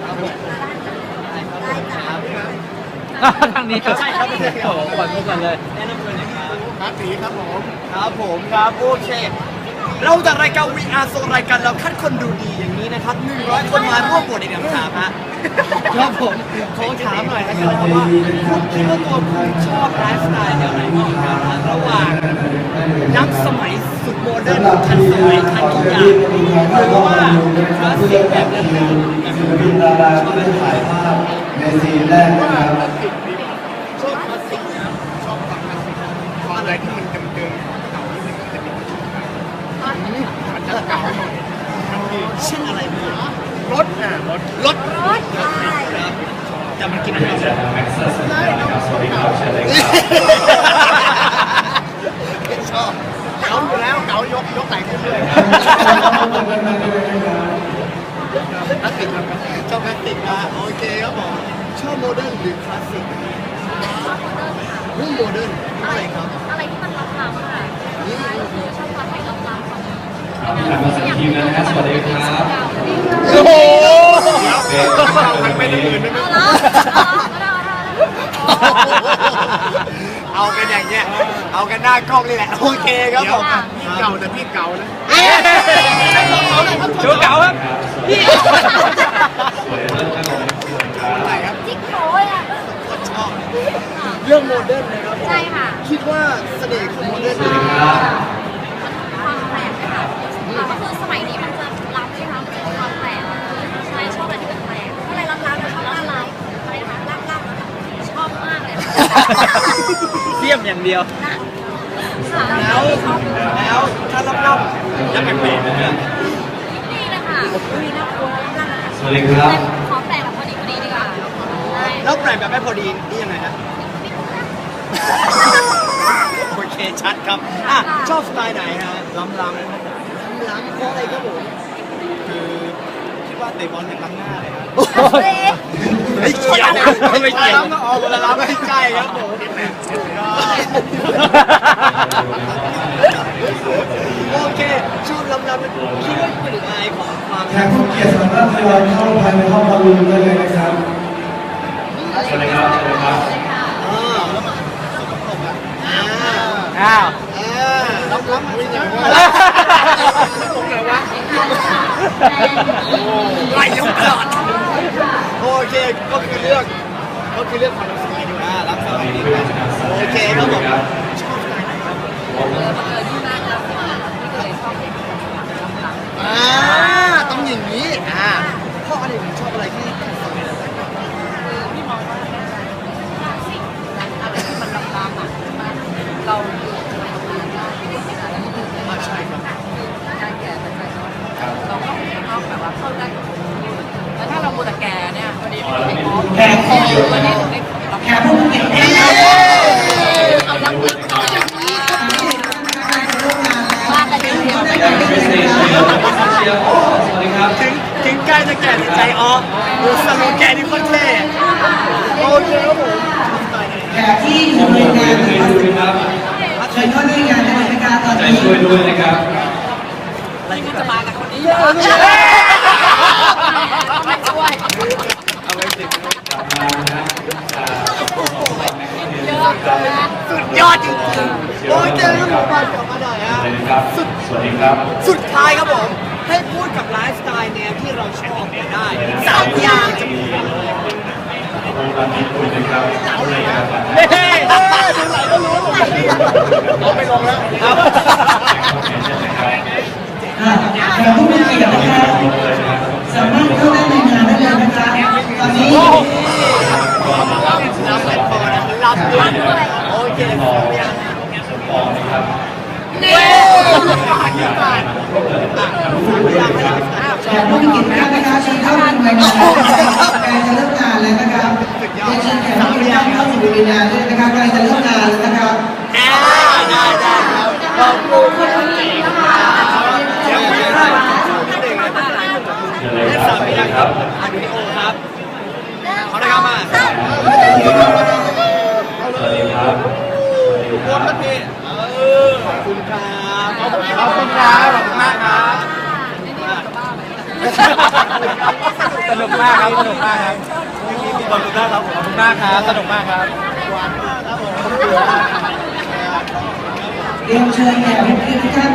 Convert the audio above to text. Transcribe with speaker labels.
Speaker 1: ทางนี้ครับใช่ครับโอ้โหก่อนมุกกันเลยแนะนำตัวหน่อยครับ
Speaker 2: ครับสีครับผม
Speaker 1: ครับผมครับโอเคเราจากรายการ VR โซรายการเราคัดคนดูดีอย่างนี้นะครับ100 คนมาร่วมโหวตในคำถามฮะครับผมขอถามหน่อยนะครับว่าคุณคิดว่าตัวคุณชอบไลฟ์สไตล์แนวไหนมากกว่ากันระหว่างนักสมัยสุดโมเดิร์นทันสมัยทันทุกอย่างหรือว่าคลาสสิกแบบเดิมๆแบบ
Speaker 3: มีดาราที่ได้ถ่ายภาพในซีนแรกนะครับ
Speaker 2: ชอบคลาสสิกนะชอบความคลาสสิกความอะไรที่มันเดิมๆเก่านิดนึงมันจะมีมันจะเก่าหน่อย
Speaker 1: เช่นอะไรบ้าง
Speaker 2: รถรถ
Speaker 1: ครับแต่มันกินอะไรได้
Speaker 2: ชอบเก่าอยู่แล้วเก่ายกไหลขึ้นเลยคลาสสิกครับชอบคลาสสิกนะโอเคครับผมชอบโมเดิร์นหรือคลาสสิกเรื่องโมเดิร์นอะไรครับ
Speaker 4: อะไรที่มันล้ำๆค่ะใช่คือชอบความให้ล้ำๆของ
Speaker 3: ครับมาสักทีนะครับสวัสดีครับ
Speaker 1: โอ้โห
Speaker 2: มันไม่ได้อื่นไม่ได้เอากันอย่างเงี้ยเอากันหน้ากล้องนี่แหละโอเคครับผมพี่เก่าแต่พี่เก่านะ
Speaker 1: ชูเก่าครับพี่
Speaker 2: อะไรครับ
Speaker 4: จิ๊กโจ้อะ
Speaker 2: ชอบเรื่องโมเดิร์นนะครับ
Speaker 4: ใช่ค่ะ
Speaker 2: คิดว่าเสน่ห์ของโมเดิร์นเป็นยังไง
Speaker 4: ความแปลกค่ะก็คือสมัยนี้มันจะล้ำใช่ไหมมันจะมีความแปลกใช่ชอบอะไรที่เป็นแปลกอะไรล้ำๆชอบล้ำอะไรนะคะล้ำๆชอบมากเลย
Speaker 1: เยี่ยมอย่างเดียวแล้วถ้าลับๆยังแปลกๆเนี่ย
Speaker 4: นี่เลยค่ะมีน่ากลัวล้ำ
Speaker 3: สวัสดีครับ
Speaker 4: ขอแปลกแบบพอดีดีกว่าใช่
Speaker 1: แล้วแปลกแบบไม่พอดีนี่ยังไงฮะโอเคชัดครับชอบสไตล์ไหนฮะล้ำเพราะอะไรครับผมคือคิดว่าเตะบอลอย่างล้ำหน้าเลยครับไม่เกี่ยวไม่เกี่ยวล้ำก็ออกเวลาล้ำไม่ใช่ครับผมโอเคชอบล้ำคิดว่าเป็นอะไรของความ
Speaker 3: แขกผู้เกียรติสามารถทยอยเข้าภายในห้องบอลลูนได้เลยนะครับสวัสดีครับสวัสดีครับ
Speaker 1: อ้าว
Speaker 2: ล้ำมันอย่างว่าตรงไหนวะ
Speaker 1: ไล่ยกตลอด
Speaker 2: โอเคก็คือเรื่องความรักสมัยดีนะรักสมัยดีโอเคครับผมชอบสไตล์ไหนครับต้องอย่างนี้เพราะอะไรผมชอบอะไรที่สมัยนั้น
Speaker 4: พี่มองว่าคลาสสิกอะไรที่มันล้ำๆอ่ะเราอยู่ในโรงงานได้แล้วก็คือ
Speaker 2: ใช่ครับ
Speaker 4: การแก่เป็นใจเราก็ต้องแบบว่าเข้าได้กับคนแล้วถ้าเราโมตะแกเนี่ยพอดีเป็นแก่คอวันนี้ได้แก่ผู้เก่งเอาลังลึกเอาอย่างนี้ว่ากันเดียว
Speaker 3: สวัสดีครับ
Speaker 1: ถึงใกล้จะแก่ในใจอ๋อดูสโลแกนนี่โคตรเท่โอเคครับผม
Speaker 5: แขกที่อยู่ในงานนะครับเชิญเข้าในงานได้เลยนะคะตอน
Speaker 3: ใจ
Speaker 5: นี้
Speaker 3: ช่วยด้วยนะครับ
Speaker 4: อะไรก็จะมากับคนนี้เยอะไม่ช่วย
Speaker 1: เอาไว้สิ
Speaker 4: เยอะนะ
Speaker 1: สุดยอดจริงๆโอเคครับผมมากลับมาหน่อยฮะ
Speaker 3: สวัสดีครับ
Speaker 1: สุดท้ายครับผมให้พูดกับไลฟ์สไตล์แนวที่เราชอบเนี่ยได้3 อย่างจะมีเลยเฮ้ยดูไหนก็รู้ว่าเอาไปลงแล้วครับ
Speaker 5: แขกผู้มีเกียรตินะคะสามารถเข้าได้ในงานได้เลยนะคะตอนนี้
Speaker 1: รับด้วยโอเคเนี่ย
Speaker 5: แขกผู้มีเกียรตินะคะเชิญเข้าในงานนะคะใกล้จะเริ่มงานแล้วนะครับเชิญแขกผู้มีเกียรติเข้าสู่ในงานด้วยนะคะใกล้จะเริ่มงานแล้วนะครับ
Speaker 1: ได้ครับขอบคุณนะคะเดี๋ยวไม่ได้และสามอย่างครับอันวิดีโอครับขอได้ครับมา
Speaker 3: สวัสดีครับ
Speaker 1: ทุกคนนะพี่ขอบคุณครับขอบคุณครับขอบคุณมากครับสนุกมากครับสนุกมากครับขอบคุณมากครับขอบคุณมากครับสนุกมากครับ
Speaker 5: เรียนเชิญแขกผู้มีเกียรติทุกท่าน